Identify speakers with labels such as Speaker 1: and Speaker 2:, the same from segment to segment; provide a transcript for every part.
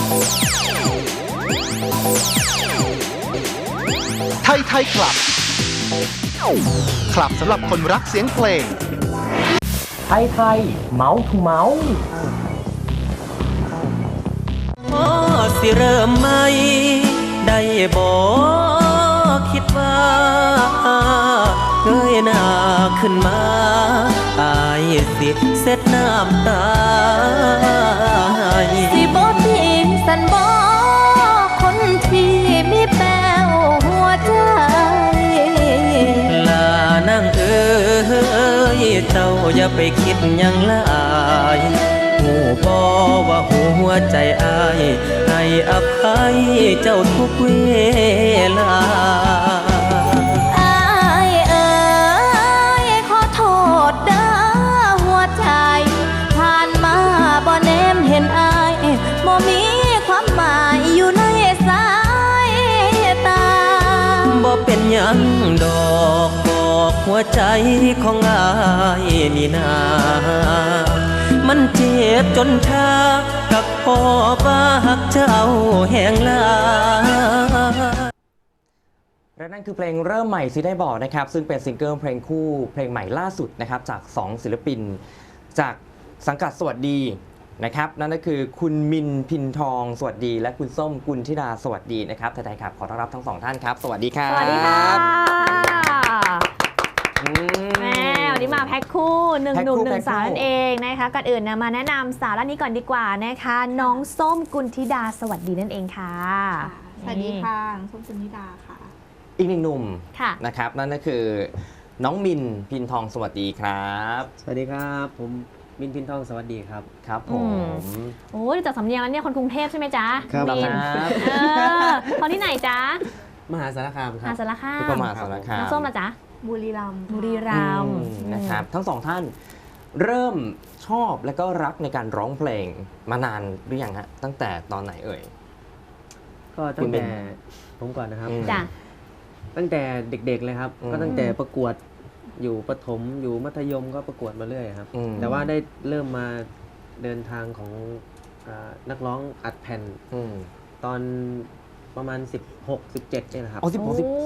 Speaker 1: ไทยไทยคลับ คลับสำหรับคนรักเสียงเพลง
Speaker 2: ไทยไทยเมาส์ทูเมาส์
Speaker 3: พอสิเริ่มไหมได้บอกคิดว่าเงยหน้าขึ้นมาอายสิเสร็จน้ำตา
Speaker 4: สิบ่ทิ้งสันบ่คนที่มีแป้วหัวใจ
Speaker 3: ลานางเอ้ยเจ้าอย่าไปคิดหยังหลายหูบ่ว่าหัวใจอายให้อภัยเจ้าทุกเวลา
Speaker 4: อายเอ๋ยขอโทษเด้อหัวใจผ่านมาบ่แนมเห็นอายบ่มีความหมายอยู่ในสายตา
Speaker 3: บ่เป็นหยังดอกบอกหัวใจของอายนี่นามันเจ็บจนชากับพ่อบ้าหักเจ้าแห่งลา
Speaker 2: และนั่นคือเพลงเริ่มใหม่สิได้บอกนะครับซึ่งเป็นซิงเกิลเพลงคู่เพลงใหม่ล่าสุดนะครับจาก2ศิลปินจากสังกัดสวัสดีนะครับนั่นก็คือคุณมินพินทองสวัสดีและคุณส้มกุลธิดาสวัสดีนะครับไทยๆครับขอต้อนรับทั้งสองท่านครับสวัสดีครับ
Speaker 5: สวัสดีค่ะแม่วันนี้มาแพ็คคู่หนึ่งหนุ่มหนึ่งสาวนั่นเองนะคะก่อนอื่นนะมาแนะนำสาวร้านนี้ก่อนดีกว่านะคะน้องส้มกุลธิดาสวัสดีนั่นเองค่ะ
Speaker 6: สวัสดีค่ะน้องส้มกุลธิดาค่ะ
Speaker 2: อีกหนึ่งหนุ่มนะครับนั่นก็คือน้องมินพินทองสวัสดีครับ
Speaker 7: สวัสดีครับผมมินพินทองสวัสดีครับ
Speaker 2: ครับผม
Speaker 5: โอ้ยจากสำเนียงแล้วเนี่ยคนกรุงเทพใช่ไหมจ๊ะ
Speaker 7: ครับ
Speaker 5: คนที่ไหนจ๊ะ
Speaker 7: มหาสารคามครับ
Speaker 5: มหาสารคาม
Speaker 2: มหาสารคาม
Speaker 5: น้องส้มล่ะจ๊ะ
Speaker 6: บุรีรัมย์
Speaker 2: นะครับทั้งสองท่านเริ่มชอบและก็รักในการร้องเพลงมานานหรือยังฮะตั้งแต่ตอนไหนเอ่ย
Speaker 7: ก็ตั้งแต่ผมก่อนนะครับ
Speaker 5: จ้ะ
Speaker 7: ตั้งแต่เด็กๆเลยครับก็ตั้งแต่ประกวดอยู่ประถมอยู่มัธยมก็ประกวดมาเรื่อยครับแต่ว่าได้เริ่มมาเดินทางของนักร้องอัดแผ่นตอนประมาณ16-17เนี่ยนะครับ
Speaker 2: อ๋อ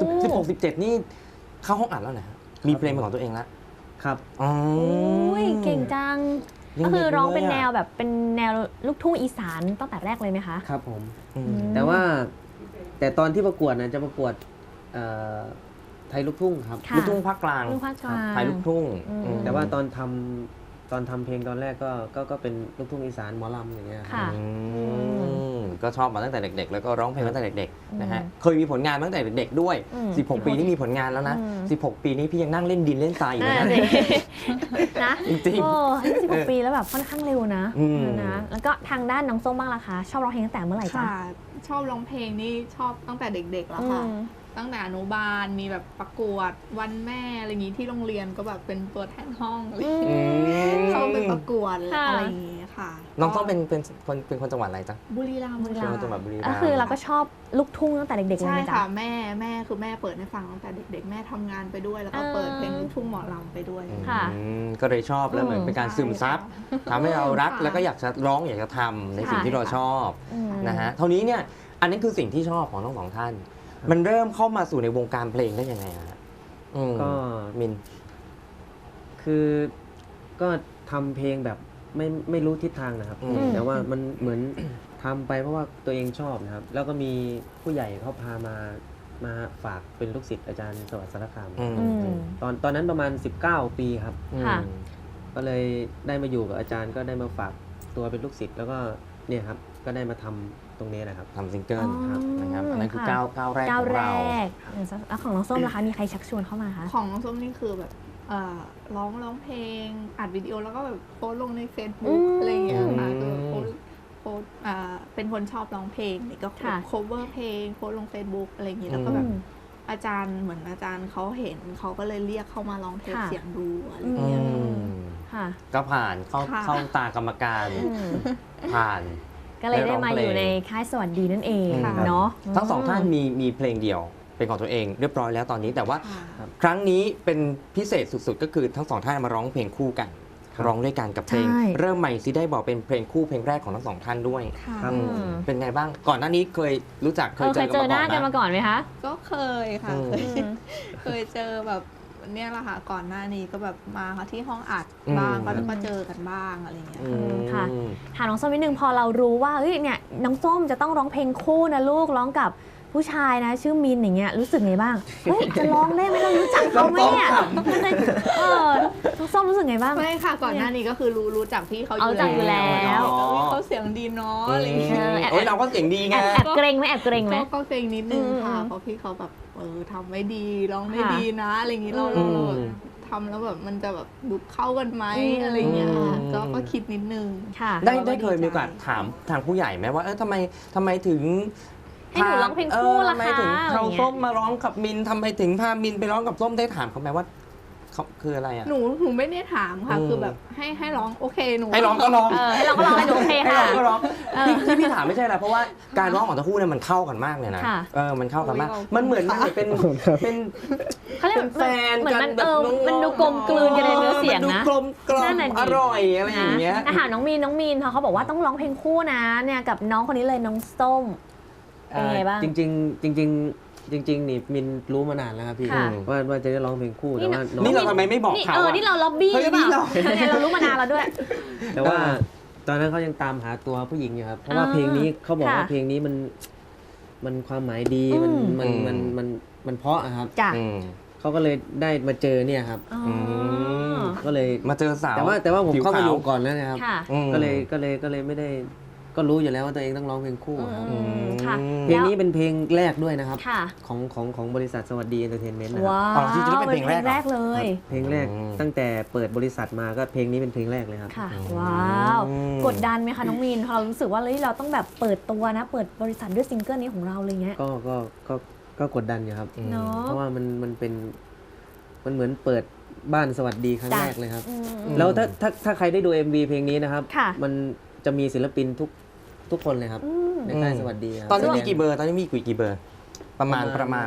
Speaker 2: 16-17นี่เข้าห้องอัดแล้วนะมีเพลงเป็นของตัวเองแล้ว
Speaker 7: ครับ
Speaker 2: อ๋อ
Speaker 5: เก่งจังก็คือร้องเป็นแนวแบบเป็นแนวลูกทุ่งอีสานตั้งแต่แรกเลยไหมคะ
Speaker 7: ครับผมแต่ตอนที่ประกวดนะจะประกวดไทยลูกทุ่งครับ
Speaker 2: ลูกทุ่งภาคกลางไทยลูกทุ่ง
Speaker 7: แต่ว่าตอนทำเพลงตอนแรกก็เป็นลูกทุ่งอีสานหมอลำอย่างเงี้ย
Speaker 2: ก็ชอบมาตั้งแต่เด็กๆแล้วก็ร้องเพลงตั้งแต่เด็กๆนะฮะเคยมีผลงานตั้งแต่เด็กๆด้วย16ปีนี่มีผลงานแล้วนะ16ปีนี้พี่ยังนั่งเล่นดินเล่นทรายอยู่นะจริง
Speaker 5: ๆ16ปีแล้วแบบค่อนข้างเร็วนะแล้วก็ทางด้านน้องส้มบ้างล่ะคะชอบร้องเพลงตั้งแต่เมื่อไหร่จ๊ะ
Speaker 6: ชอบร้องเพลงนี่ชอบตั้งแต่เด็กๆแล้วค่ะตั้งแต่อนุบาลมีแบบประกวดวันแม่อะไรอย่างนี้ที่โรงเรียนก็แบบเป็นตัวแทนห้องเข้าไปประกวดอะไรอย่างนี้ค่ะ
Speaker 2: น้องต้องเป็นคนจังหวัดอะไรจ๊ะ
Speaker 6: บุรีรัมย์
Speaker 2: จังหวัดบุรีรัมย์
Speaker 5: ก็คือเราก็ชอบลูกทุ่งตั้งแต่เด็กๆเลย
Speaker 6: ใช่ค่ะแม่คือแม่เปิดให้ฟังตั้งแต่เด็กๆแม่ทำงานไปด้วยแล้วก็เปิดเพลงลูกทุ่งหมอลำไปด้วย
Speaker 5: ค่ะ
Speaker 2: ก็เลยชอบแล้วเหมือนเป็นการซึมซับทำให้เรารักแล้วก็อยากจะร้องอยากจะทำในสิ่งที่เราชอบนะฮะเท่านี้เนี่ยอันนี้คือสิ่งที่ชอบของทั้งสองท่านมันเริ่มเข้ามาสู่ในวงการเพลงได้ยังไงฮะ
Speaker 7: ก็
Speaker 2: มิน
Speaker 7: คือก็ทำเพลงแบบไม่รู้ทิศทางนะครับแต่ว่ามันเหมือนทำไปเพราะว่าตัวเองชอบนะครับแล้วก็มีผู้ใหญ่เขาพามาฝากเป็นลูกศิษย์อาจารย์สวัสดิ์สารคามตอนนั้นประมาณ19ปีครับก็เลยได้มาอยู่กับอาจารย์ก็ได้มาฝากตัวเป็นลูกศิษย์แล้วก็เนี่ยครับก็ได้มาทำตรงนี้นะครับ
Speaker 2: ทำซิงเกิลนะครับอันนั้นคือก้าวแรกของเรา
Speaker 5: แล้วของน้องส้มล่ะคะมีใครชักชวนเข้ามาคะ
Speaker 6: ของน้องส้มนี่คือแบบร้องเพลงอัดวิดีโอแล้วก็แบบโพสลงใน Facebook อะไรอย่างเงี้ยค่ะคือโพสเป็นคนชอบร้องเพลงนี่ก็ cover เพลงโพสลง Facebook อะไรอย่างเงี้ยแล้วก็แบบอาจารย์เหมือนอาจารย์เขาเห็นเขาก็เลยเรียกเข้ามาร้องเทปเสียงดูอะไรอย่างเงี้ย
Speaker 2: ก็ผ่านเข้าตากรรมการผ่าน
Speaker 5: ก็เลยได้มาอยู่ในค่ายสวัสดีนั่นเองเนาะ
Speaker 2: ทั้งสองท่านมีเพลงเดียวเป็นของตัวเองเรียบร้อยแล้วตอนนี้แต่ว่าครั้งนี้เป็นพิเศษสุดๆก็คือทั้งสองท่านมาร้องเพลงคู่กันร้องด้วยกันกับเพลง
Speaker 5: ใช่
Speaker 2: เริ่มใหม่ซิได้บอกเป็นเพลงคู่เพลงแรกของทั้งสองท่านด้วย
Speaker 6: ค่ะ
Speaker 7: ครับ
Speaker 2: อืมเป็นไงบ้างก่อนหน้านี้เคยรู้จักเคย
Speaker 5: เคยเจอหน้า
Speaker 2: กั
Speaker 5: กัน น
Speaker 2: มา
Speaker 5: มา
Speaker 2: ก่อน
Speaker 5: ก่อนไหมคะ
Speaker 6: ก็เคยค่ะ
Speaker 2: อืม
Speaker 6: เคยเจอแบบเนี่ยแหละค่ะก่อนหน้านี้ก็แบบมาที่ห้องอัดบ้างก็เจอกันบ้างอะไรอย่างเงี้ย
Speaker 2: อืม
Speaker 5: ค่ะ ถามน้องส้มนิดนึงพอเรารู้ว่าเฮ้ยเนี่ยน้องส้มจะต้องร้องเพลงคู่นะลูกร้องกับผู้ชายนะชื่อมินอย่างเงี้ยรู้สึกไงบ้างเฮ้ยจะร้องได้ไหมเรารู้จักเขาไหมเนี่ยน้องส้มรู้สึกไงบ้าง
Speaker 6: ไม่ค่ะก่อนหน้านี้ก็คือรู้จักพี่เขาอ
Speaker 5: เอา
Speaker 6: ยู่
Speaker 5: รู้จักอยู่แล้ว
Speaker 6: เขาเสียงดีเนาะอะไรอย่างเงี้ย
Speaker 2: โอ้ยเราก็เสียงดีไง
Speaker 5: แอบเกรงไหมแอบเกรงไหม
Speaker 6: ก็เกรงนิดนึงค่ะ
Speaker 5: อืม
Speaker 6: เพราะพี่เขาแบบทำไม่ดีร้องได้
Speaker 5: ค่ะ
Speaker 6: ดีนะอะไรอย่างงี้เรา
Speaker 2: อืม
Speaker 6: ทำแล้วแบบมันจะแบบดูเข้ากันไหม
Speaker 5: อืม
Speaker 6: อะไรอย่างเงี้ยค่ะ
Speaker 2: อืม
Speaker 6: ก็คิดนิดนึง
Speaker 5: ค่ะ
Speaker 2: ได้เคยมีโอกาสถามทางผู้ใหญ่ไหมว่าทำไมถึง
Speaker 5: ให้หนูร้องเพลงคู่ล่ะ
Speaker 2: ทำไม
Speaker 5: คะ
Speaker 2: ถึง
Speaker 5: อะไร
Speaker 2: เขา
Speaker 5: อย่างเงี้ย
Speaker 2: ส้มมาร้องกับมินทำไมถึงพามินไปร้องกับส้มได้ถามเขาไหมว่าเขาคืออะไรอ่ะ
Speaker 6: หนูไม่ได้ถามค่ะ
Speaker 2: อืม
Speaker 6: คือแบบให้ร้องโอเคหนู
Speaker 2: ให้ร้องก็ร้อง
Speaker 5: ให้เราก็ร้องให้หนูโอเค
Speaker 2: ให้
Speaker 5: ค่ะ
Speaker 2: ร้องก็ร้องที่พี่ถามไม่ใช่อะไรเพราะว่าการร้องของทั้งคู่เนี่ยมันเข้ากันมากเลยนะ
Speaker 5: ค่ะ
Speaker 2: มันเข้ากันมากมันเหมือนเป็น
Speaker 5: เขาเรียก
Speaker 2: เป็นแฟน
Speaker 5: เหมือน
Speaker 2: กั
Speaker 5: มัน น
Speaker 2: แบบน้องๆ
Speaker 5: มันดูกลมกลืนกันในเนื้อเสียง
Speaker 2: มันดู
Speaker 5: นะ
Speaker 2: กลมกล่อ
Speaker 5: นั่
Speaker 2: ม
Speaker 5: นน่ะดิ
Speaker 2: อร่อยอะไรอย่างเงี้ย
Speaker 5: แต่ถามน้องมีนพอเขาบอกว่าต้องร้องเพลงคู่นะเนี่ยกับน้องคนนี้เลยน้องส้มเป็นไงบ้าง
Speaker 7: จริงๆนี่มินรู้มานานแล้วครับพี่
Speaker 5: ค่ะ
Speaker 7: ว่าจะได้ร้องเพลงคู่แต่ว่าน้อง
Speaker 2: นี่เราทำไมไม่บอก
Speaker 5: นี่
Speaker 2: เขาอะ
Speaker 5: นี่เราล็อบบี้
Speaker 2: เฮ้ย
Speaker 5: หรือเปล่า
Speaker 2: นี่เรา
Speaker 5: เนี่ยเรารู้มานานแล้วด้วย
Speaker 7: แต่ว่าตอนนั้นเขายังตามหาตัวผู้หญิงอยู่ครับเพราะว่า
Speaker 5: อ่า
Speaker 7: เพลงนี้เขาบอกว่า
Speaker 5: ค่ะ
Speaker 7: เพลงนี้มันความหมายดี
Speaker 5: อืม
Speaker 7: มันเพราะอะครับ
Speaker 5: จ้ะ
Speaker 2: อืม
Speaker 7: เขาก็เลยได้มาเจอเนี่ยครับ
Speaker 5: อ๋อ
Speaker 2: ม
Speaker 7: ก็เลย
Speaker 2: มาเจอสาว
Speaker 7: แต่ว่าผม
Speaker 2: ผิว
Speaker 7: เข้ามา
Speaker 2: ขาว
Speaker 7: อยู่ก่อนแล้วนะครับ
Speaker 5: ค่ะ
Speaker 2: อืม
Speaker 7: ก็เลยไม่ได้ก็รู้อยู่แล้วว่าตัวเองต้องร้องเพลงคู่ครับ
Speaker 5: อืมค่ะ
Speaker 7: เพลงนี้เป็นเพลงแรกด้วยนะครับ
Speaker 5: ค่ะ
Speaker 7: ของบริษัทสวัสดีเอนเตอร์เทนเมนต์นะครับ
Speaker 5: ว้า
Speaker 2: อ๋อ
Speaker 5: ว
Speaker 2: ที่จะได้เป็นเพลงแรกเหรอ
Speaker 5: แรกเลย
Speaker 7: เพลงแรก
Speaker 2: อืม
Speaker 7: ตั้งแต่เปิดบริษัทมาก็เพลงนี้เป็นเพลงแรกเลยครับ
Speaker 5: ค่ะ ว้าว
Speaker 2: อืม
Speaker 5: กดดันไหมคะน้องมีนพอเรารู้สึกว่าเฮ้ยเราต้องแบบเปิดตัวนะ เปิดบริษัทด้วยซิงเกิลนี้ของเราเลยเงี้ย
Speaker 7: ก็กดดันอยู่ครับ
Speaker 5: เนาะ
Speaker 7: เพราะว่ามันเหมือนเปิดบ้านสวัสดีครั้ง
Speaker 5: จ้ะ
Speaker 7: แรกเลยครับ
Speaker 5: อืม
Speaker 7: แล้วถ้าใครได้ดู MV เพลงนี้นะครับ
Speaker 5: ค่ะ
Speaker 7: มันจะมีศิลปินทุกคนเลยครับ
Speaker 5: อืม
Speaker 7: ในค่ายสวัสดีครับ
Speaker 2: ตอนนี้มีกี่เบอร์ตอนนี้มีกี่เบอร์ ประมาณ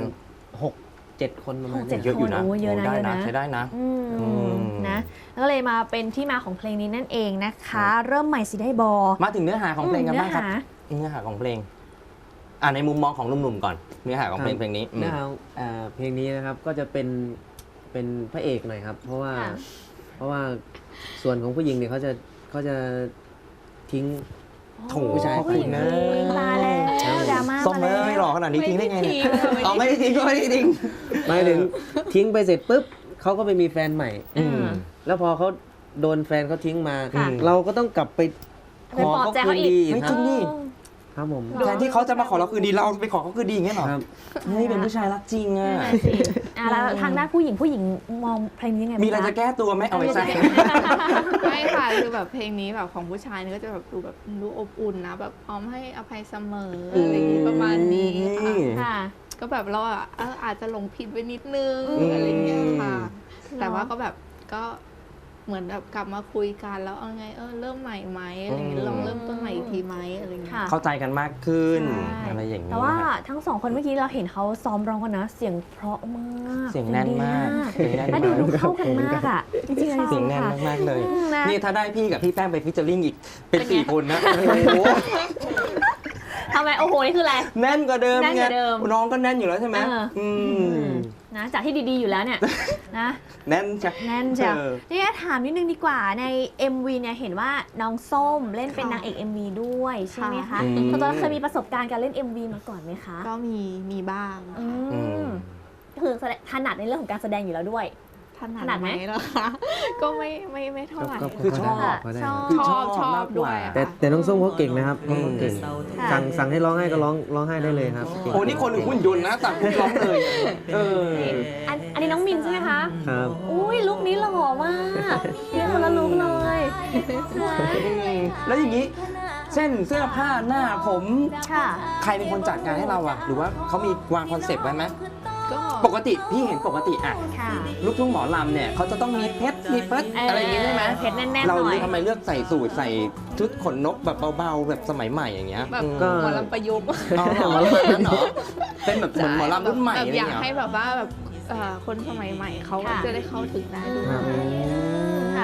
Speaker 7: 6-7 คนประมาณ
Speaker 5: หกเจ็ด
Speaker 7: นี้
Speaker 2: เยอะอยู่นะ
Speaker 5: โอ้เยอะนะ
Speaker 2: ได้
Speaker 5: เยอะ
Speaker 2: นะ
Speaker 5: นะ
Speaker 2: ใช้ได้นะ
Speaker 5: อืม
Speaker 2: อืม
Speaker 5: นะแล้วก็เลยมาเป็นที่มาของเพลงนี้นั่นเองนะคะ เริ่มใหม่สิได้บอ
Speaker 2: มาถึงเนื้อหาของเพลงกันบ้างครับ
Speaker 5: เนื้อหา
Speaker 2: เนื้อหาของเพลงในมุมมองของหนุ่มๆก่อน เนื้อหาของเพลงนี้อืม
Speaker 7: เนื้อหาเพลงนี้นะครับก็จะเป็นพระเอกหน่อยครับ เพราะว่าส่วนของผู้หญิงเนี่ยเขาจะทิ้ง
Speaker 2: โถ
Speaker 7: ผู้ชาย
Speaker 5: ผู้หญิง
Speaker 2: นะ
Speaker 5: ทิ้งตายแล้วดราม่า
Speaker 2: ส้ม
Speaker 5: มา
Speaker 2: เอ้
Speaker 5: แล้ว
Speaker 2: ยหล่อขนาดนี้ทิ้งได้ไงเนี่ย
Speaker 6: ไม่
Speaker 2: เอา
Speaker 6: ได้
Speaker 2: ไม่ได้ทิ้งก็ไม่ได้ทิ้ง
Speaker 7: หมายถึงทิ้งไปเสร็จปุ๊บเขาก็ไปมีแฟนใหม่
Speaker 2: อืม
Speaker 7: แล้วพอเขาโดนแฟนเขาทิ้งมา
Speaker 2: ค่ะ
Speaker 7: เราก็ต้องกลับไปขอ
Speaker 5: ไปปลอบ
Speaker 7: เขา
Speaker 5: ใจ
Speaker 7: คื
Speaker 5: เขา
Speaker 7: น
Speaker 5: อีก
Speaker 7: ดี
Speaker 2: ไม่
Speaker 7: ค
Speaker 2: จ
Speaker 7: รั
Speaker 2: ริ
Speaker 7: บ
Speaker 2: งนี่
Speaker 7: ครับผม
Speaker 2: แทนที่เขาจะมาขอเราคืนดีเราไปขอเขาคืนดีอย่างเงี้ยเหรอ
Speaker 7: ครับ
Speaker 2: เฮ้ยเป็นผู้ชายรักจริงอ่ะ
Speaker 5: นั่นน่ะสิแล้วทางด้านผู้หญิงมองเพลงนี้ยังไงบ้าง
Speaker 2: มีอะไรจะแก้ตัวไหมเอาไปใส่
Speaker 6: ไม่ค่ะคือแบบเพลงนี้แบบของผู้ชายเนี่ยก็จะแบบดูอบอุ่นนะแบบพร้อมให้อภัยเสมออะไรอย่างงี้ประมาณนี้ค่ะ
Speaker 5: ค่ะ
Speaker 6: ก็แบบเราอาจจะหลงผิดไปนิดนึง
Speaker 5: อืม
Speaker 6: อะไรเงี้ยค่ะ
Speaker 5: ม
Speaker 6: แต่ว่าก็แบบก็เหมือนแบบกลับมาคุยกันแล้วเอาไงเริ่มใหม่ไหมอะไรเงี้ยลองเริ่มต้นใหม่อีกทีไหมอะไรเงี้ย
Speaker 5: ค่ะ
Speaker 2: เข้าใจกันมากขึ้น
Speaker 5: ใช่
Speaker 2: อะไรอย่างนี้
Speaker 5: แต่ว่า
Speaker 2: นะ
Speaker 5: ทั้งสองคนเมื่อกี้เราเห็นเขาซ้อมร้องกันนะ เสียงเพราะมาก
Speaker 2: เสียงแน่นมาก
Speaker 5: เสียงดี
Speaker 2: เสียงแน่น
Speaker 5: และดู
Speaker 2: มาก
Speaker 5: เข้ากันมากอ่ะจริงๆ
Speaker 2: เสียงแน่นมากๆเลย
Speaker 5: นะ
Speaker 2: นี่ถ้าได้พี่กับพี่แป้งไปฟิชเจอริ่งอีกเป็น
Speaker 5: เป็นไง
Speaker 2: 4 คนนะโอ้โห
Speaker 5: ทำไมโอ้โหนี่คืออะไร
Speaker 2: แน่นกว่าเดิม
Speaker 5: แน่นกว่าเดิม
Speaker 2: น้องก็แน่นอยู่แล้วใช่ไหม ม
Speaker 5: นะจากที่ดีๆอยู่แล้วเนี่ยนะ
Speaker 2: แน่นใช่
Speaker 5: แน่นเชียว
Speaker 2: เออ
Speaker 5: นี่ถามนิดนึงดีกว่าใน MV เนี่ยเห็นว่าน้องส้มเล่นเป็น
Speaker 6: ค่ะ
Speaker 5: นางเอก MV ด้วยใช่ไหมคะ
Speaker 2: อืม
Speaker 5: คุณตอนเคยมีประสบการณ์การเล่น MV มาก่อนไหมคะ
Speaker 6: ก็มีบ้าง
Speaker 5: อื
Speaker 2: อื
Speaker 5: ม
Speaker 2: ม
Speaker 5: คือถนัดในเรื่องของการแสดงอยู่แล้วด้วย
Speaker 6: ถนั
Speaker 5: ถนัด
Speaker 6: ด
Speaker 5: ไห
Speaker 6: ไห
Speaker 5: ม
Speaker 6: มล่ะคะ ก็ไม่เท่าไหร่
Speaker 2: คือชอบ
Speaker 7: พได้
Speaker 5: ชอบ
Speaker 2: คือ
Speaker 6: ชอบ
Speaker 2: มากก
Speaker 6: ด้วย
Speaker 2: ว่า
Speaker 7: แต่น้องส้มเขาเก่งนะครับ
Speaker 2: อืม
Speaker 7: เขาเก่ง
Speaker 5: ค่ะ
Speaker 7: สั่งให้ร้องไห้ก็ร้องไห้ได้เลยครับเก่ง
Speaker 2: โอ้นี่คนหรือหุ่นยนต์นะต่างคนร้องเลย เออ
Speaker 5: อันนี้น้องมินใช่ไหมคะ
Speaker 7: ครับ
Speaker 5: อุ้ยลุคนี้หล่อมากเนี่ยคนละลุคเลยนะ
Speaker 2: แล้วอย่างนี้เส้นเสื้อผ้าหน้าผม
Speaker 5: ค่ะ
Speaker 2: ใครเป็นคนจัดงานให้เราอะหรือว่าเขามีวางคอนเซปต์ไว้ไหม
Speaker 6: ก็
Speaker 2: ปกติพี่เห็นปกติอะ
Speaker 5: ค่ะ
Speaker 2: ลูกทุ่งหมอลำเนี่ยเขาจะต้องมีเพชรมีเพิร์ดอะไรอย่างงี้ใช่ไหม
Speaker 5: เพชรแน่นๆห
Speaker 2: เรา
Speaker 5: น่อย
Speaker 2: ทำไมเลือกใส่สูทใส่ชุดขนนกแบบเบาๆแบบสมัยใหม่อย่างเงี้ย
Speaker 6: แบบ
Speaker 7: ก็
Speaker 6: หมอลำประยุกต์
Speaker 2: อ๋อเหรอประมาณนั้นเหรอเป็นแบบเหมือนหมอลำรุ่นใหม่
Speaker 6: แบบ
Speaker 2: อะไร
Speaker 6: อยาก
Speaker 2: เงี้ย
Speaker 6: ให้แบบว่าแบบคนสมัยใหม่เขา
Speaker 5: ค่ะ
Speaker 6: จะได้เข้าถึงได้ด้วย
Speaker 7: ครับ
Speaker 5: ค่ะอย่าง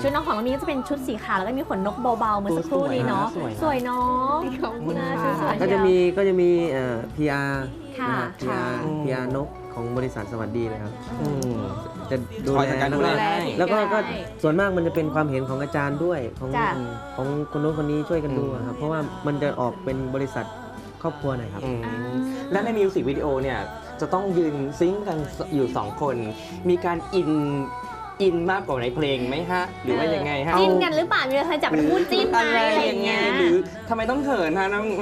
Speaker 5: ชุดน้องของน้องมีนก็จะเป็นชุดสีขาวแล้วก็มีขนนกเบาๆเมื่อสักครู่นี้เนาะ สวยเนาะ
Speaker 6: ขอบคุณ
Speaker 5: น่า
Speaker 6: ค่ะ
Speaker 5: สวย
Speaker 7: ก็จะมีPR
Speaker 5: ค่ะ
Speaker 7: นะครับ PR นกของบริษัทสวัสดีนะครับ
Speaker 2: อืม
Speaker 7: จะดู
Speaker 2: คอย
Speaker 7: แล
Speaker 2: จัดการ
Speaker 7: แล้ว
Speaker 2: ดู
Speaker 7: ก็
Speaker 2: แล
Speaker 7: แล้วก็ส่วนมากมันจะเป็นความเห็นของอาจารย์ด้วยของ
Speaker 5: จ้ะ
Speaker 7: ของคนโน้นคนนี้ช่วยกันดูอะครับเพราะว่ามันจะออกเป็นบริษัทครอบครัวหน่อยครับ
Speaker 2: อืมและในมิวสิกวิดีโอเนี่ยจะต้องยืนซิงค์กันอยู่ 2 คน มีการอินมากกว่าในเพลงไหมฮะ หรือว่ายังไงฮะ
Speaker 5: จิ้นกันหรือเปล่ามีใครจับเป็นคู่จิ้นไหมอะไรอย่างเงี้ย
Speaker 2: หรือทำไมต้องเขินฮะน้อง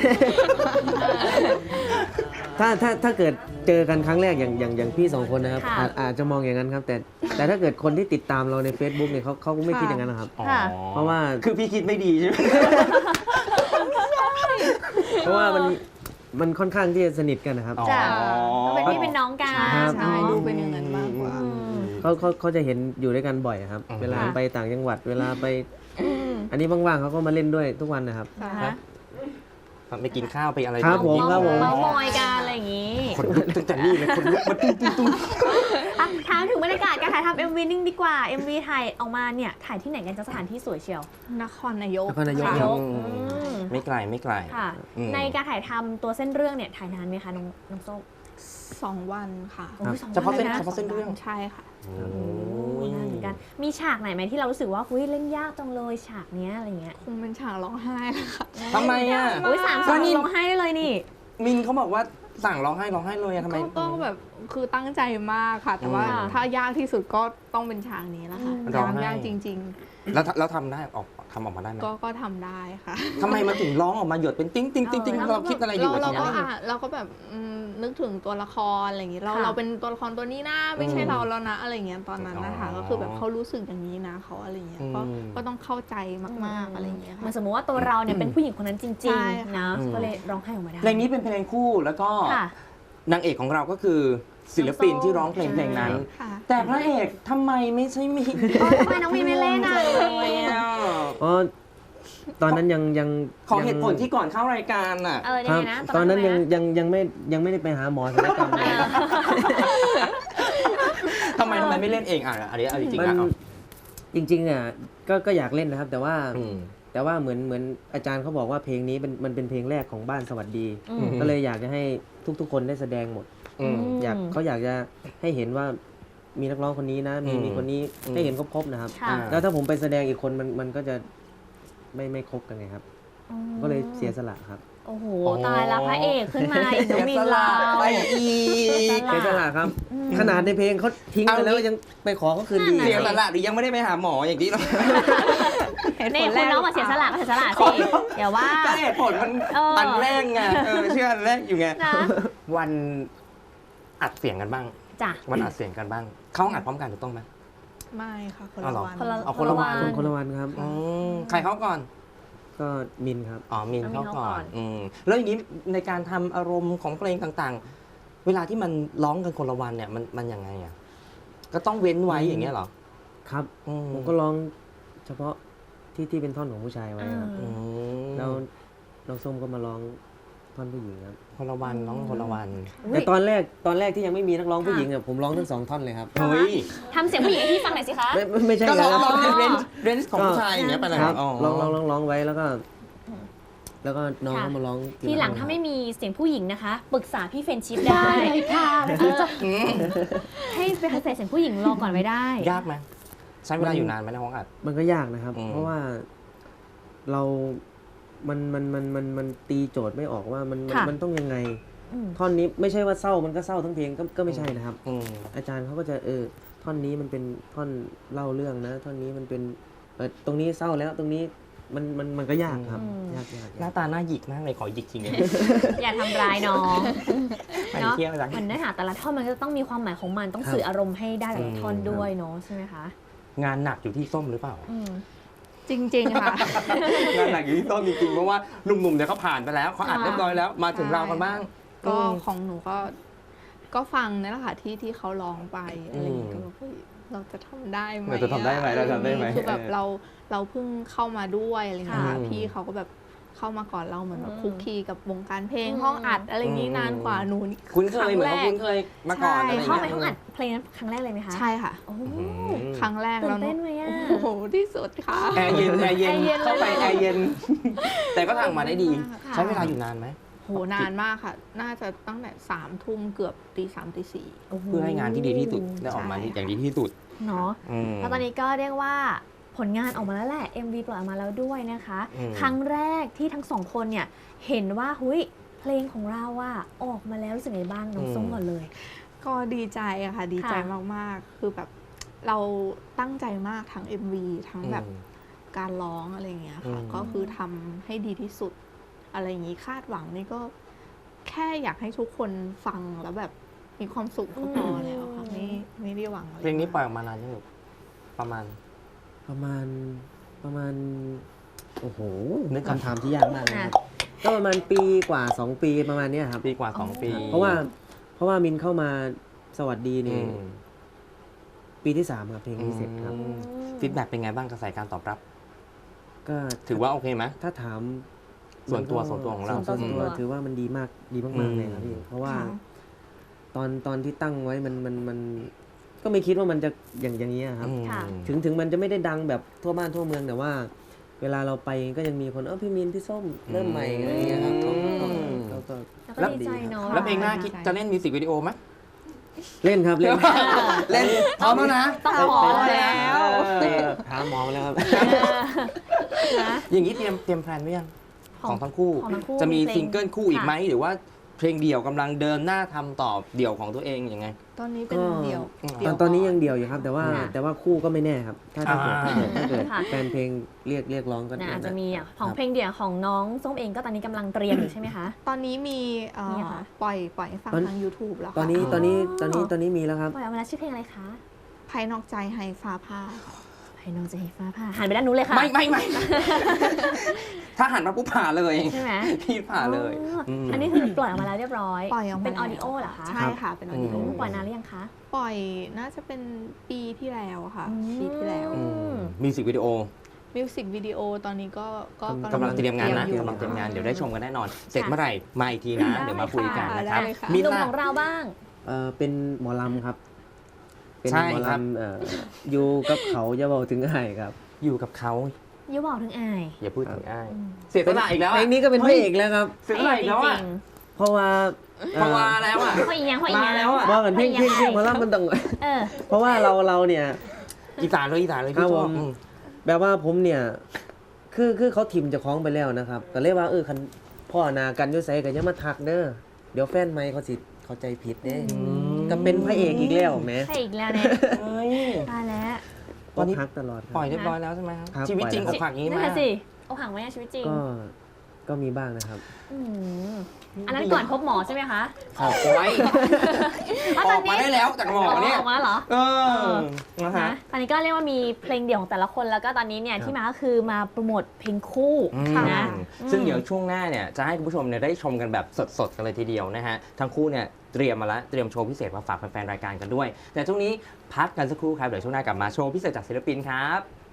Speaker 7: ถ้าเกิดเจอกันครั้งแรกอย่างพี่สองคนนะครับ
Speaker 5: ค่ะ
Speaker 7: อาจจะมองอย่างนั้นครับ แต่ถ้าเกิดคนที่ติดตามเราใน Facebook เนี่ยเขาก็ไม่คิดอย่างนั้นนะครับ
Speaker 2: อ๋อ
Speaker 5: ค่ะ
Speaker 7: เพราะว่า
Speaker 2: คือพี่คิดไม่ดีใช่ไหม
Speaker 7: เพราะว่ามันค่อนข้างที่จะสนิทกันนะครับ
Speaker 2: อ๋อ
Speaker 5: จ้ะก็เป็นพี่เป็นน้องกัน
Speaker 7: ครับ
Speaker 6: ใช่ดูเป็นอย่างนั้นมากกว่า
Speaker 5: อืม
Speaker 7: เขาจะเห็นอยู่ด้วยกันบ่อยครับ
Speaker 2: อืม
Speaker 7: เวลา
Speaker 5: ค่ะ
Speaker 7: ไปต่างจังหวัด เวลาไป
Speaker 5: อืม
Speaker 7: อันนี้ว่างๆเขาก็มาเล่นด้วยทุกวันนะครับ
Speaker 5: นะคะ
Speaker 2: ไปกินข้าวไปอะไร
Speaker 7: ครับผม
Speaker 2: กัน
Speaker 5: เมาส์มอยกันอะไรอย่างงี้
Speaker 2: คนลุกตั้งแต่นี่เลยคนลุกมาตุ้ม
Speaker 5: อ่ะถามถึงบรรยากาศการถ่ายทำ MV นิ่งดีกว่า MV ถ่ายออกมาเนี่ยถ่ายที่ไหนกันจะสถานที่สวยเชียว
Speaker 6: นครนายก
Speaker 7: นครนายก
Speaker 5: นายก
Speaker 2: ไม่ไกลไม่ไกล
Speaker 5: ค่ะ
Speaker 2: อืม
Speaker 5: ในการถ่ายทำตัวเส้นเรื่องเนี่ยถ่ายนานไหมคะน้องส้ม
Speaker 6: 2 วันค่ะ
Speaker 5: โอ้ยสอง
Speaker 2: เฉพาะ
Speaker 5: วัน
Speaker 2: เส้น
Speaker 5: เลยนะ
Speaker 2: เฉพาะเส้นเรื่อง
Speaker 6: ใช่ค่ะ
Speaker 2: โอ้
Speaker 5: โอ้ยนานเหมือนกันมีฉากไหนไหมที่เรารู้สึกว่าเฮ้ยเล่นยากจังเลยฉากเนี้ยอะไรเงี้ย
Speaker 6: คงเป็นฉากร้องไห้แหละค่ะ
Speaker 2: ทำไมอ่ะ
Speaker 5: โอ้ย3
Speaker 2: ก็นี่
Speaker 5: ร้องไห้ได้เลยนี่
Speaker 2: มินเขาบอกว่าสั่งร้องไห้เลยอะทำไม
Speaker 6: ก็แบบคือตั้งใจมากค่ะ แต่ว่า
Speaker 2: อืม
Speaker 6: ถ้ายากที่สุดก็ต้องเป็นฉากนี้แล้วค่ะ
Speaker 2: ร้องไห้
Speaker 6: ยากจริง
Speaker 2: แล้วทำได้ทำออกมาได้ไหม
Speaker 6: ๆ ก็ทำได้ค่ะ
Speaker 2: ทำไมมันถึงร้องออกมาหยดเป็นติ้งติ้งติ้งติ้งเราคิดอะไรอยู่อะ
Speaker 6: เรา
Speaker 2: ที
Speaker 6: ก็
Speaker 2: นั้น
Speaker 6: เราก็แบบนึกถึงตัวละครอะไรอย่างงี้เรา
Speaker 5: ค่ะ
Speaker 6: เราเป็นตัวละครตัวนี้นะไม่ใช่เราแล้วนะอะไรอย่างเงี้ยตอนนั้นนะคะ
Speaker 2: อ๋อ
Speaker 6: ก็คือแบบเขารู้สึกอย่างนี้นะเขาอะไรอย่างเงี้ยก็
Speaker 2: อืม
Speaker 6: ก็ต้องเข้าใจมากๆอะไรอย่างเงี้ย
Speaker 5: เหมือ
Speaker 6: ค่ะ
Speaker 5: นสมมติว่าตัวเราเนี่ยเป็นผู้หญิงคนนั้นจริ
Speaker 6: ใช่
Speaker 5: ง
Speaker 6: ค่ะ
Speaker 5: ๆนะ
Speaker 2: อืม
Speaker 5: ก็เลยร้องไห้ออกมาได้
Speaker 2: เพลงนี้เป็นเพลงคู่แล้วก็
Speaker 5: ค่ะ
Speaker 2: นางเอกของเราก็คือศิลปินที่ร้องเพลงเพลงนั้น
Speaker 6: ค่ะ
Speaker 2: แต่พระเอกทำไมไม่ใช่มิน
Speaker 5: ทำไมน้องมีไม่เล่นอ่ะ
Speaker 2: ทำไมอะ
Speaker 7: เพราะตอนนั้นยัง
Speaker 2: ขอเหตุผลที่ก่อนเข้ารายการอ่ะ
Speaker 5: เออยั
Speaker 7: ค
Speaker 5: ง
Speaker 7: รับ
Speaker 5: ไงนะ
Speaker 7: ตอนนั้น
Speaker 5: ทำไมะ
Speaker 7: ยังไม่ได้ไปหาหมอศัลยกรรมเลย
Speaker 2: ทำไมไม่เล่นเองอ่ะอันนี้เอาจริงๆ
Speaker 7: มัน
Speaker 2: นะเอา
Speaker 7: จริงๆอ่ะก็อยากเล่นนะครับ แต่ว่า
Speaker 2: อืม
Speaker 7: เหมือนอาจารย์เขาบอกว่าเพลงนี้มันเป็นเพลงแรกของบ้านสวัสดี
Speaker 5: อืม
Speaker 7: ก็เลยอยากจะให้ทุกๆคนได้แสดงหมด
Speaker 2: อืม
Speaker 7: เขาอยากจะให้เห็นว่ามีนักร้องคนนี้นะมี
Speaker 2: อืม
Speaker 7: มีคนนี้
Speaker 2: อืม
Speaker 7: ให้เห็นครบๆนะครับ
Speaker 5: ค่ะ
Speaker 7: แล้วถ้าผมไปแสดงอีกคนมันก็จะไม่ครบกันไงครับ
Speaker 5: อืม
Speaker 7: ก็เลยเสียสละครับ
Speaker 5: โอ้โหตายละพระเอกขึ้นมาอีกน้องมีนเรา
Speaker 2: ไปอีก
Speaker 7: เสียสละครับ ขนาดในเพลงเขาทิ้งไปแล้วยังไปขอเขาคืนดี
Speaker 2: เสียสละหรือยังไม่ได้ไปหาหมออย่างที่เรา
Speaker 5: นี่คุณน้องมาเสียสละก็เสียสละสิอย่าว่า
Speaker 2: ก็เหตุผลมัน
Speaker 5: เอออั
Speaker 2: อันแรกไงเชื่ออันแรกอยู่ไง
Speaker 5: นะ
Speaker 2: วันอัดเสียงกันบ้าง
Speaker 5: จ้ะ
Speaker 2: วันอัดเสียงกันบ้าง เข้าอัดพร้อมกันถูกต้องไหม
Speaker 6: ไม่ค่ะคน
Speaker 2: อ๋อ
Speaker 6: ละ
Speaker 2: เหรอ
Speaker 6: วัน
Speaker 5: คนละ
Speaker 2: เอาคนละวัน
Speaker 7: คนละวันครับ
Speaker 2: อืมใครเข้าก่อน
Speaker 7: ก็มินครับ
Speaker 2: อ๋อมิน
Speaker 5: เอามิน
Speaker 2: เข้า
Speaker 5: เข้า
Speaker 2: ก่
Speaker 5: ก่
Speaker 2: อ
Speaker 5: อน น
Speaker 2: แล้วอย่างนี้ในการทำอารมณ์ของเพลงต่างๆ เวลาที่มันร้องกันคนละวันเนี่ยมันยังไงอ่ะก็ต้องเว้นไว้อย่างเงี้ยเหรอ
Speaker 7: ครับ
Speaker 2: อืม
Speaker 7: ผมก็ร้องเฉพาะที่เป็นท่อนของผู้ชายไว้ครับ
Speaker 2: อืม
Speaker 7: แล้วน้องส้มก็มาร้องท่อนผู้หญิงครับ
Speaker 2: คนละวันร้องคนละวัน
Speaker 7: แต่ตอนแรกที่ยังไม่มีนักร้องผู้หญิงอ่ะผมร้องทั้ง2 ท่อนเลยครับ
Speaker 2: เฮ้ย
Speaker 5: ทำเสียงผู้หญิงให้พี่ฟังหน่อยสิคะ
Speaker 7: ไม่ใช่
Speaker 2: ก็ร้อง
Speaker 7: ค
Speaker 2: ร้
Speaker 7: รั
Speaker 2: อง
Speaker 7: บ
Speaker 2: ในเรนจ์ของผู้ชายอย่างเงี้ยไปเลย
Speaker 7: ครับ
Speaker 2: อ๋อ
Speaker 7: ร้องไว้แล้วก็น้อง
Speaker 5: ค่ะ
Speaker 7: ก็มาร้อง
Speaker 5: ทีหลังถ้าไม่มีเสียงผู้หญิงนะคะ ปรึกษาพี่เฟรนชิพได้ค่ะให้ไปใส่เสียงผู้หญิงรอก่อนไว้ได้
Speaker 2: ยากไหมใช้เวลาอยู่นานไหมในห้องอัด
Speaker 7: มันก็ยากนะครับ
Speaker 2: อืม
Speaker 7: เพราะว่าเรา มันตีโจทย์ไม่ออกว่ามันต้องยังไง
Speaker 5: อืม
Speaker 7: ท่อนนี้ไม่ใช่ว่าเศร้ามันก็เศร้าทั้งเพลงก็ไม่ใช่นะครับ
Speaker 2: อืม
Speaker 7: อาจารย์เขาก็จะท่อนนี้มันเป็นท่อนเล่าเรื่องนะ ท่อนนี้มันเป็นตรงนี้เศร้าแล้วตรงนี้มันก็ยากครับ
Speaker 5: อืม
Speaker 7: ยาก
Speaker 2: หน้าตาหน้าหยิกมากเลยขอหยิกจริงเลย
Speaker 5: อย่าทำร้ายน้อง
Speaker 2: ไป
Speaker 5: เนาะ
Speaker 2: เที่ยวจัง
Speaker 5: เหมือนเนื้อหาแต่ละท่อนมันก็ต้องมีความหมายของมันต้องสื่ออารมณ์ให้ได้แต่ละท่อนด้วยเนาะใช่ไหมคะ
Speaker 2: งานหนักอยู่ที่ส้มหรือเปล่า
Speaker 5: อืม
Speaker 6: จริง ๆ ค่ะ
Speaker 2: งานหนักอยู่ที่ส้มจริงๆเพราะว่าหนุ่มๆเนี่ยเขาผ่านไปแล้วเขาอัดเรียบร้อยแล้วมาถึงเรากันบ้าง
Speaker 6: ก็ของหนูก็ฟังนั่นแหละค่ะที่เขาร้องไปอะไรอย่างเงี้ย
Speaker 2: อืม
Speaker 6: ก็แบบเฮ้ยเราจะทำได้ไหม
Speaker 2: เราจะทำได้ไหมเราทำได้ไหม
Speaker 6: คือแบบเราเพิ่งเข้ามาด้วยอะไรอย่างเงี้ยค่ะ
Speaker 2: ค่ะ
Speaker 6: พี่เขาก็แบบเข้ามาก่อนเราเหมือนแบบคุกคีกับวงการเพลงห้องอัดอะไรอย่างนี้นานกว่าหนูนี่
Speaker 2: คุ้นเคยเหมือนเขาคุ้นเคยมาก่อนอะไร
Speaker 6: ใช่
Speaker 5: เข้าไป
Speaker 2: เงี้ย
Speaker 5: ห้องอัดเพลงนั้นครั้งแรกเลยไหมคะ
Speaker 6: ใช่ค่ะ
Speaker 5: โอ้
Speaker 6: ครั้งแรก
Speaker 5: ตื่
Speaker 6: แล้ว
Speaker 5: นเต้นไหมอ่ะ
Speaker 6: โอ้โหที่สุดค่ะ
Speaker 2: แอร์เย็นแอร์เย็น
Speaker 5: แอร์เย็นเลย
Speaker 2: เข้าไปแอร์เย็น แต่ก็ทำมาได้ดี
Speaker 6: ค่ะ
Speaker 2: ใช้เวลาอยู่นานไหม
Speaker 6: โหนานมากค่ะ น่าจะตั้งแต่3 ทุ่มเกือบตี 3 ตี 4
Speaker 2: เพื่อให้งานที่ดีที่สุดได้ออกมา
Speaker 6: ใช่
Speaker 2: อย่างดีที่สุด
Speaker 5: เนาะ
Speaker 2: อืม
Speaker 5: แล้วตอนนี้ก็เรียกว่าผลงานออกมาแล้วแหละ MV ปล่อยออกมาแล้วด้วยนะคะ
Speaker 2: อืม
Speaker 5: ครั้งแรกที่ทั้งสองคนเนี่ยเห็นว่าหุยเพลงของเราอะออกมาแล้วรู้สึกไงบ้างน้องส้มก่อนเลย
Speaker 6: ก็ดีใจอะค่ะ ดีใจ
Speaker 5: ค่ะ
Speaker 6: มากๆ คือแบบเราตั้งใจมากทั้ง MV ทั้งแบบการร้องอะไรอย่างเงี้ยค่ะ
Speaker 2: อืม
Speaker 6: ก็คือทำให้ดีที่สุด อะไรอย่างงี้คาดหวังนี่ก็แค่อยากให้ทุกคนฟังแล้วแบบมีความสุขก็พอแล้วค่ะไม่ได้หวังอะไร
Speaker 2: เพลงนี้ปล่อยอ
Speaker 6: มาก
Speaker 2: อกมานานยังประมาณ
Speaker 7: ประมาณโอ้โห
Speaker 2: นึกก่อน
Speaker 7: คำถามที่ยากมากเลยครับก็ประมาณปีกว่า 2 ปีประมาณเนี้ยครับ
Speaker 2: ปีกว่า 2 ปี
Speaker 7: เพราะว่ามินเข้ามาสวัสดีนี่ปีที่ 3 ครับเพลงนี้เสร็จครับ
Speaker 2: ฟีดแบ็กเป็นไงบ้างกระแสการตอบรับ
Speaker 7: ก็
Speaker 2: ถือว่าโอเคไหม
Speaker 7: ถ้าถาม
Speaker 2: ส่วนตัว
Speaker 7: มันก็
Speaker 2: ส่วนตัวของเรา
Speaker 7: ส่วน
Speaker 5: ส่วนตั
Speaker 7: ตัว วถือว่ามันดีมากเลยครับพี่เพราะว่า
Speaker 6: ค่ะ
Speaker 7: ตอนที่ตั้งไว้มันก็ไม่คิดว่ามันจะอย่างนี้ยครับ
Speaker 5: ค่ะ
Speaker 7: ถึงมันจะไม่ได้ดังแบบทั่วบ้านทั่วเมืองแต่ว่า เวลาเราไปก็ยังมีคนพี่มินพี่ส้มเริ่มใหม่อะไรอย่างเงี้ยครับเขาก็
Speaker 5: แล้วก็ดีใจเนาะ
Speaker 2: แล้วเพลงหน้าคิดจะเล่นมิวสิกวิดีโอไหม
Speaker 7: เล่นครับเล่น
Speaker 2: เล่นพร้อมแล้วนะ
Speaker 5: ต้องขอแล้ว
Speaker 7: ถามหมอมาแล้วครับ
Speaker 5: นะ
Speaker 2: อย่างนี้เตรียมแพลนไว้ยังของทั้งคู่
Speaker 5: ของทั้งคู่
Speaker 2: จะมี
Speaker 5: มีเพลง
Speaker 2: ซิงเกิลคู่อีกไหมหรือว่าเพลงเดี่ยวกำลังเดินหน้าทำต่อเดี่ยวของตัวเองยังไง
Speaker 6: ตอนนี้เป็น
Speaker 7: ก็
Speaker 6: เดี่ยว
Speaker 7: ตอนนี้ยังเดียวอยู่ครับ แต่ว่าคู่ก็ไม่แน่ครับ ถ้าเกิด
Speaker 2: อ่า
Speaker 5: ค่ะ
Speaker 7: แฟนเพลงเรียกร้องก็
Speaker 5: นะอาจจะมีอ่ะของเพลงเดี่ยวของน้องส้มเองก็ตอนนี้กำลังเตรียมอยู่ใช่ไหมคะ
Speaker 6: ตอนนี้มี
Speaker 5: มีค่ะ
Speaker 6: ปล่อยให้ฟังทาง YouTube แล้วค่ะ
Speaker 7: ตอนนี้มีแล้วครับ
Speaker 5: ปล่อยออกมาแล้วชื่อเพลงอะไรคะ
Speaker 6: ภายนอกใจให้ฟ้าผ่า
Speaker 5: ให้น้องจะเห็นฟ้าผ่าหันไปด้านนู้นเลยค่ะ
Speaker 2: ไม่ ถ้าหันมาปุ๊บผ่าเลย
Speaker 5: ใช่ไหม
Speaker 2: พี่ผ่าเลย
Speaker 5: อันนี้คือปล่อยออกมาแล้วเรียบร้อย
Speaker 6: ปล่อยออกมา
Speaker 5: เป็นอ
Speaker 6: แล้ว
Speaker 5: อดิโอเหรอคะ
Speaker 6: ใช่ค่ะ เป็นออดิโอ
Speaker 5: ปล่อยนานหรือยังคะ
Speaker 6: ปล่อยน่าจะเป็นปีที่แล้วค่ะ
Speaker 5: อืม
Speaker 6: ปีที่แล้ว
Speaker 2: มิวสิกวิดีโอ
Speaker 6: มิวสิกวิดีโอตอนนี้ก็
Speaker 2: กำลังเตรียมงานนะ
Speaker 6: อยู่
Speaker 2: กำลังเตรียมงานเดี๋ยวได้ชมกันแน่นอน เสร็จเมื่อไหร่มาอีกทีนะ เดี๋ยวมาคุยกันนะครับ
Speaker 6: ได้ค่ะ
Speaker 2: มิน
Speaker 5: หนุ่ม
Speaker 2: ล่ะ
Speaker 5: ของเราบ้าง
Speaker 7: เป็นหมอลำครับ เป็น
Speaker 2: ใช่
Speaker 7: หมอ
Speaker 2: ครับ
Speaker 7: ลำอยู่กับเขาจะบอกถึงไห้ครับ
Speaker 2: อยู่กับเขา
Speaker 5: ยูบอกถึงอาย
Speaker 2: อย่าพูดถึงอ้ายเสียสละอีกแล้ว
Speaker 7: เพลงนี้ก็เป็นพระเอกแล้วครับ
Speaker 2: เสียสละอีกแล้วอ่ะ
Speaker 7: เพราะว่า
Speaker 2: เพราะว่าแล้วอ่ะ
Speaker 5: เขาอีกยังเขาอีกยัง
Speaker 2: มาแล้วอะ
Speaker 7: ว่ากันเพลงหมอลำมันต้อง
Speaker 5: เออ
Speaker 7: เพราะว่าเราเนี่ย
Speaker 2: อีสานเลย
Speaker 7: ครั
Speaker 2: พี่
Speaker 7: บ
Speaker 2: ช
Speaker 7: ผ
Speaker 2: อบ
Speaker 7: ม แบบว่าผมเนี่ยคือเขาทิมเจะคล้าของไปแล้วนะครับก็เลยว่าคันพ่อนากันอยุ่ใส่กันยังมาทักเด้อเดี๋ยวแฟนไม่เขาสิเข้าใจผิดเด้ก็เป็นพระเอกอีกแล้วแหม
Speaker 5: ใช่อีกแล้วเนี่ย
Speaker 2: เฮ้ย
Speaker 5: ตายแล้ว
Speaker 2: ตอนนี้
Speaker 7: ทักตลอดครับ
Speaker 2: ปล่อยเรียบร้อยแล้วใช่ไหมครับ
Speaker 7: ครับ
Speaker 2: ชีวิตจริง
Speaker 7: ปล่
Speaker 2: อ
Speaker 7: อย
Speaker 2: กหักอย่างนี้
Speaker 5: นั่
Speaker 2: ไหม
Speaker 5: นแหละสิเอาห่างไว้ในชีวิตจริง
Speaker 7: ก็มีบ้างนะครับ
Speaker 5: อืมอันนั้นก่อนพบหมอใช่ไหมคะ
Speaker 2: ออกไว้
Speaker 5: แล้ว
Speaker 2: อ
Speaker 5: ตอ
Speaker 2: อน กมา
Speaker 5: นี้
Speaker 2: ได้แล้วจากหมอเนี่ย
Speaker 5: ออกมาแล้วเหรอ
Speaker 2: เออนะฮะ
Speaker 5: นะตอนนี้ก็เรียกว่ามีเพลงเดี่ยวของแต่ละคนแล้วก็ตอนนี้เนี่ยที่มาก็คือมาโปรโมทเพลงคู่นะ
Speaker 2: ซึ่งเดี๋ยวช่วงหน้าเนี่ยจะให้คุณผู้ชมเนี่ยได้ชมกันแบบสดๆกันเลยทีเดียวนะฮะทั้งคู่เนี่ยเตรียมมาแล้วเตรียมโชว์พิเศษมาฝากแฟนๆรายการกันด้วย แต่ช่วงนี้พักกันสักครู่ครับเดี๋ยวช่วงหน้ากลับมาโชว์พิเศษจากศิลปินครับ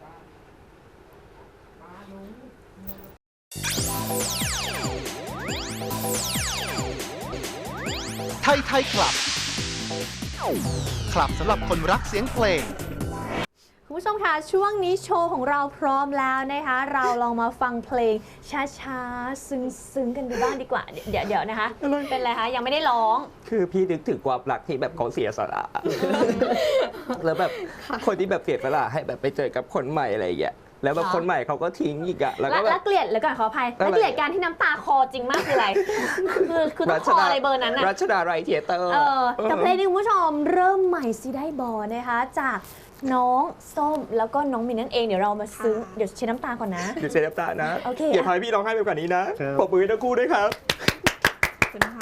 Speaker 1: ไทยไทยคลับ คลับสำหรับคนรักเสียงเพลง
Speaker 5: คุณผู้ชมคะช่วงนี้โชว์ของเราพร้อมแล้วนะคะ เราลองมาฟังเพลงช้าๆซึ้งๆกันดูบ้างดีกว่าเดี๋ยวนะคะ เป็นไรคะยังไม่ได้ร้อง
Speaker 2: คือพี่นึกถึงความรักที่แบบเขาเสียสละ แล้วแบบคนที่แบบเสียสละให้แบบไปเจอกับคนใหม่อะไรอย่างเงี้ยแล้วแบบคนใหม่เขาก็ทิ้งอีกอะแล้วก็แบ
Speaker 5: แล้
Speaker 2: บ
Speaker 5: วเกลียดแล้วก่อนขออภัย
Speaker 2: อะไร
Speaker 5: แล้วเกลียดการที่น้ำตาคอจริงมากคืออะไร คือต้องคออะไรเบอร์นั้นน่ะ
Speaker 2: รัชดาไรเทียเตอร์
Speaker 5: กับเพลงนี้คุณผู้ชมเริ่มใหม่สิได้บอนะคะ จากน้องส้มแล้วก็น้องมินนั่นเองเดี๋ยวเรามาซึ้งเดี๋ยวเช็ดน้ำตาก่อนนะ
Speaker 2: เดี๋ยวเสียน้ำตานะ
Speaker 5: โอเค
Speaker 2: อย่าทำให้พี่ร้องไห้ไปกว่านี้นะครับ ปรบมือให้ทั้งคู่ด้วยครับ
Speaker 6: ขอบคุณค่ะ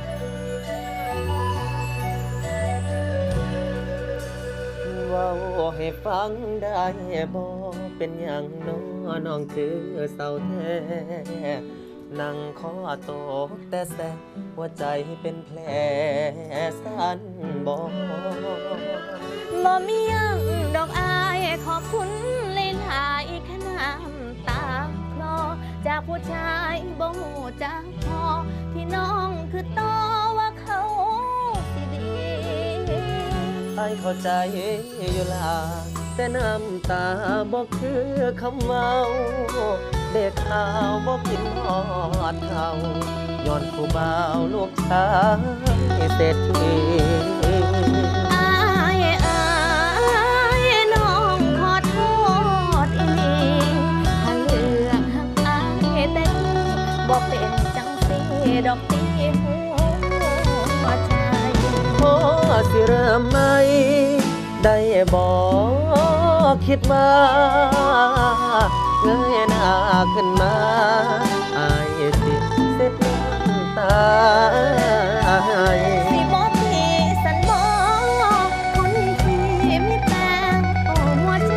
Speaker 3: เว้าใให้ฟังได้บ่เป็นอย่างน้องคือเศร้าแท้นั่งขอโตแต่แสหัวใจเป็นแผลสั่นบ่
Speaker 4: บ่มีหยังดอกอายขอบคุณหลายๆขน้ำตาคลอจากผู้ชายบ่หูจักพอที่น้องคือโตว่าเขาสิดี
Speaker 3: ไอ้เข้าใจอยู่ล่ะแต่น้ำตาบ่คือคำเมาเด็กข่าวบ่กินฮอดเขาย้อนผู้บ่าวลูกชายเศรษฐี
Speaker 4: อายน้องขอโทษอีหลีถ้าเลือกหักอายแต่นี้บ่เป็นจังสิดอกตีหัวใจ
Speaker 3: พอสิเริ่มไหมได้บ่คิดว่าเงยหน้าขึ้นมาอายสิเสร็จน้ำตา
Speaker 4: สิบ่มีสันบ่คนที่มีแต่หัวใจ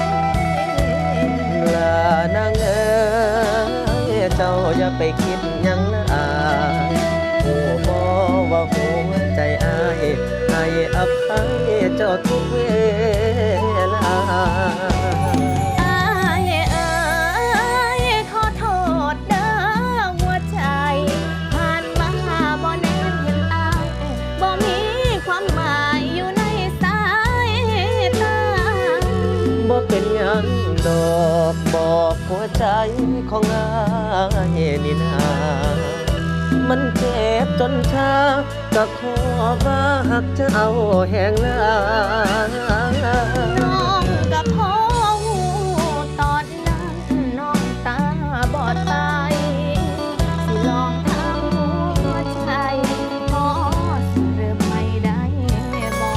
Speaker 3: ลานางเอ๋ยเจ้าอย่าไปคิดหยังละอายโอ้บ่ว่าหัวใจอายให้อภัยเจ้าทุกเวลา
Speaker 4: อายขอโทษเด้อหัวใจผ่านมาบ่แนมเห็นอายบ่มีความหมายอยู่ในสายตา
Speaker 3: บ่เป็นหยังดอกบอกหัวใจของอายนี่นามันเจ็บจนชาก็ขอว่าหักจะเอาแหงลา
Speaker 4: น้องกับพ่อหูตอนนั้นน้องตาบอดไปสิลองทำหัวใจพอสิเริ่มไม่ได้บอก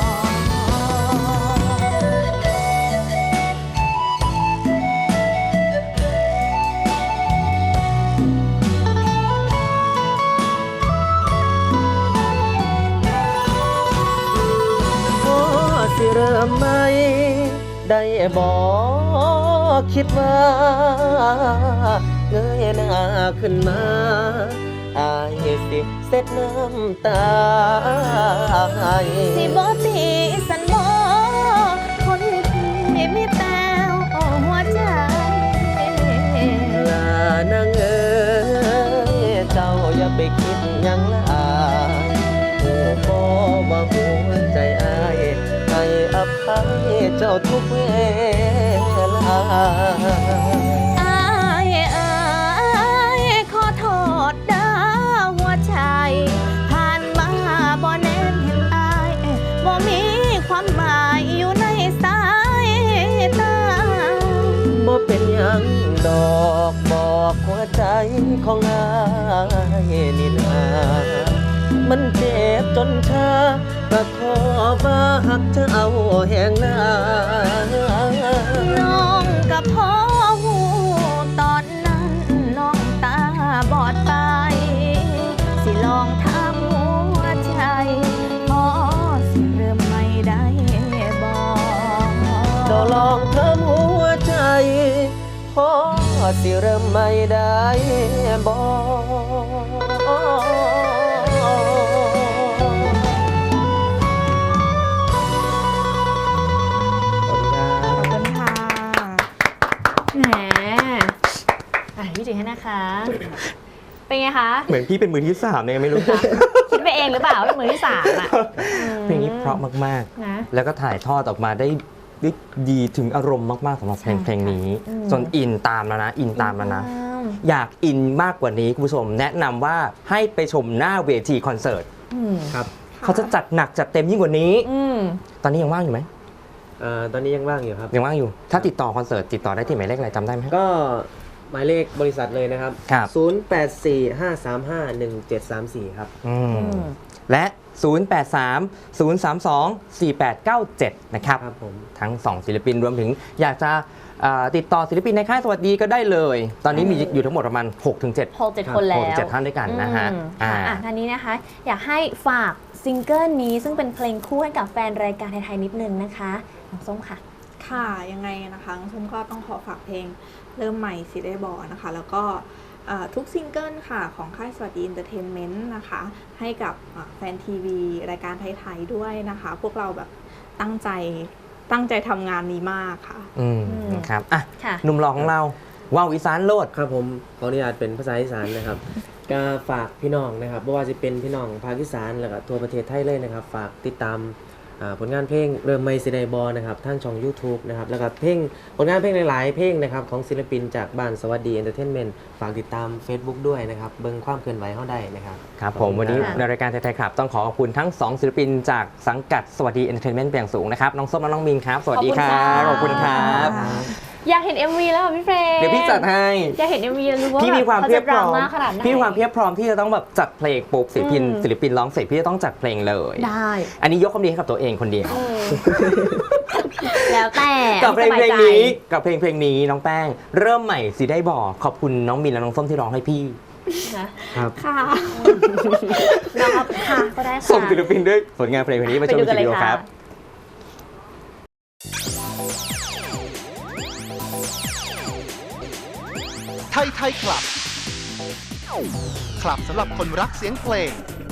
Speaker 3: พอสิเริ่มไหมได้บอกคิดว่าเงยหน้าขึ้นมาอายสิเสร็จน้ำตา
Speaker 4: สิบ่ตีสันบ่คนที่มีแต่หัวใจ
Speaker 3: ลานางเอ๋ยเจ้าอย่าไปคิดหยังละอายโอ้บ่ว่าหัวใจอายให้อภัยเจ้าทุกเวลา
Speaker 4: อายขอโทษเด้อหัวใจผ่านมาบ่แนมเห็นอายบ่มีความหมายอยู่ในสายตา
Speaker 3: บ่เป็นหยังดอกบอกหัวใจของอายนี่นามันเจ็บจนชาก็ขอว่าหักจะเอาแหงลา
Speaker 4: น้องกับพ่อหูตอนนั้นน้องตาบอดไปสิลองทำหัวใจพอสิเริ่มไม่ได้บอก
Speaker 3: ก็ลองทำหัวใจพอสิเริ่มไม่ได้บอกขอบคุณครับ
Speaker 5: ขอบคุณค่ะแหมพี่จิงให้นะคะ เป็นไงคะ
Speaker 2: เหมือนพี่เป็นมือที่3เนี่ยไม่รู้
Speaker 5: คิดไปเองหรือเปล่าว่าเป็นมือที่3อ่ะ
Speaker 2: เพลงนี้เพราะมาก
Speaker 5: นะ
Speaker 2: ๆ แล้วก็ถ่ายทอดออกมาได้ดีถึงอารมณ์มากๆสำหรับเพลงนี้
Speaker 5: อืม
Speaker 2: จนอินตามแล้วนะ อินตามแล้วนะ อยากอินมากกว่านี้คุณผู้ชมแนะนำว่าให้ไปชมหน้าเวทีคอนเสิร์ต
Speaker 5: อืม
Speaker 7: ครับ
Speaker 2: เขาจะจัดหนักจัดเต็มยิ่งกว่านี้
Speaker 5: อืม
Speaker 2: ตอนนี้ยังว่างอยู่ไหม
Speaker 7: ตอนนี้ยังว่างอยู่ครับ
Speaker 2: ยังว่างอยู่ ถ้าติดต่อคอนเสิร์ตติดต่อได้ที่หมายเลขอะไรจำได้ไหม
Speaker 7: ก็หมายเลขบริษัทเลยนะครับ
Speaker 2: ครับ
Speaker 7: 0845351734 ครับ
Speaker 2: อืมและ 083-032-4897 นะครับ
Speaker 7: ครับผม
Speaker 2: ทั้ง 2 ศิลปินรวมถึงอยากจะติดต่อศิลปินในค่ายสวัสดีก็ได้เลย ตอนนี้มีอยู่ทั้งหมดประมาณ 6-7
Speaker 5: 6-7 คนแล้ว
Speaker 2: 6-7 ท่านด้วยกันนะฮะ
Speaker 5: ค่ะท่านนี้นะคะ อยากให้ฝากซิงเกิลนี้ซึ่งเป็นเพลงคู่ให้กับแฟนรายการไทยๆนิดนึงนะคะน้องส้มค่ะ
Speaker 6: ค่ะยังไงนะคะน้องส้มก็ต้องขอฝากเพลงเริ่มใหม่สิได้บอกนะคะแล้วก็ทุกซิงเกิลค่ะของค่ายสวัสดีเอนเตอร์เทนเมนต์นะคะให้กับแฟนทีวีรายการไทยๆด้วยนะคะ พวกเราแบบตั้งใจทำงานนี้มากค่ะ
Speaker 2: นะครับอ่ะ
Speaker 5: ค่ะ
Speaker 2: หนุ่มหล่อของเราว่าวอีสานโลด
Speaker 7: ครับผมขออนุญาตเป็นภาษาอีสานนะครับ ก็ฝากพี่น้องนะครับไม่ว่าจะเป็นพี่น้องภาคอีสานแล้วก็ทั่วประเทศไทยเลยนะครับ ฝากติดตามผลงานเพลงเริ่มไม่สิได้บอนะครับทางช่อง YouTube นะครับแล้วก็ผลงานเพลงหลายๆเพลงนะครับของศิลปินจากบ้านสวัสดีเอนเตอร์เทนเมนต์ฝากติดตาม Facebook ด้วยนะครับเบิ่งความเคลื่อนไหวเขาได้นะครับ
Speaker 2: ครับผมวันนี้
Speaker 5: ค่ะ
Speaker 2: ในรายการไทยๆครับต้องขอขอบคุณทั้ง 2 ศิลปินจากสังกัดสวัสดีเอนเตอร์เทนเมนต์เป็นอย่างสูงนะครับน้องส้มและน้องมินครับสวัสดีครับขอบคุณครับ
Speaker 5: อยากเห็น MV แล้วค่ะพี่เฟรม
Speaker 2: เดี๋ยวพี่จัดให้
Speaker 5: อยากเห็น MV รู้ว่า
Speaker 2: พี่มีความเพียบพร้อม
Speaker 5: ขจะดาาขนาดไหน
Speaker 2: พี่มีความเพียบพร้อมที่จะต้องแบบจัดเพลงปุ๊บศิลปินร้องเสร็จพี่จะต้องจัดเพลงเลย
Speaker 5: ได้
Speaker 2: อันนี้ยกความดีให้กับตัวเองคนเดียว
Speaker 5: แล้วแต่
Speaker 2: กับเพลง
Speaker 5: สบาย
Speaker 2: เพลง
Speaker 5: ใจ
Speaker 2: นี้กับเพลงนี้น้องแป้งเริ่มใหม่สิได้บอกขอบคุณน้องมินและน้องส้มที่ร้องให้พี่
Speaker 5: นะครับ
Speaker 6: ค่ะ
Speaker 5: น้องค่ะก็ได้ค่ะ
Speaker 2: ส่งศิลปินด้วยผลงานเพลงนี้มาชม
Speaker 5: ไปดูกัน
Speaker 2: วิดีโอ
Speaker 5: เลย
Speaker 2: ค
Speaker 5: ค่ะ
Speaker 2: รับ
Speaker 1: ไทยคลับ คลับสำหรับคนรักเสียงเพลง